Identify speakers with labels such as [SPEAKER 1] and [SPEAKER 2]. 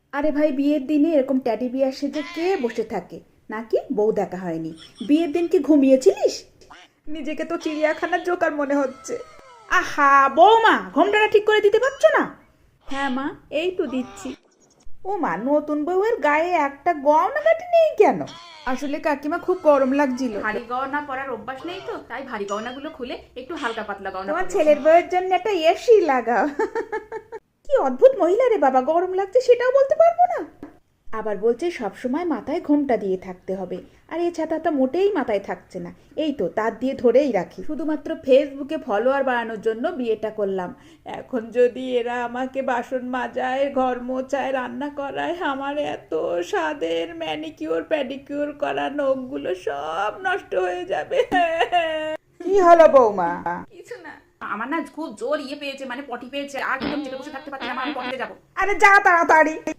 [SPEAKER 1] আরে ভাই, বিয়ের দিনে এরকম ট্যাডি বিয়ার সেজে কে বসে থাকে? নাকি বউ দেখা হয়নি? বিয়ের দিন কি ঘুমিয়েছিলিস? নিজেকে তো চিড়িয়াখানার জোকার মনে হচ্ছে। আহা বৌমা, ঘোমটাটা ঠিক করে দিতে পারছো না? হ্যাঁ মা, এই তো দিচ্ছি। ও মা, নতুন বউয়ের গায়ে একটা গয়না কাটি নেই কেন? আসলে কাকিমা খুব গরম লাগছিল।
[SPEAKER 2] ভারী গয়না পরার অভ্যাস নেই তো, তাই ভারী গয়নাগুলো খুলে একটু হালকা পাতলা গয়না
[SPEAKER 1] তোমার
[SPEAKER 2] পরেছি।
[SPEAKER 1] ছেলের বউয়ের জন্য একটা এসি লাগাও। কি অদ্ভুত মহিলা রে বাবা, গরম লাগছে সেটাও বলতে পারবো না। আবার বলছে সবসময় মাথায় ঘোমটা দিয়ে থাকতে হবে, আর এই ছাতাটা মোটেই মাথায় থাকছে না। এই তো তার দিয়ে ধরেই রাখি, শুধুমাত্র ফেসবুকে ফলোয়ার বাড়ানোর জন্য বিয়েটা করলাম। এখন যদি এরা আমাকে বাসন মাজায়, ঘর মোছায়, রান্না করায়, আমার এত স্বাদের ম্যানিকিউর প্যাডিকিউর করা নখগুলো সব নষ্ট হয়ে যাবে। কি হলো বৌমা?
[SPEAKER 2] কিছু না, আমার না খুব জোর পেয়েছে, মানে পটি পেয়েছে, আর একদম চেপে বসে থাকতে পারছি না, আমি পটিতে যাবো।
[SPEAKER 1] আরে যা তাড়াতাড়ি।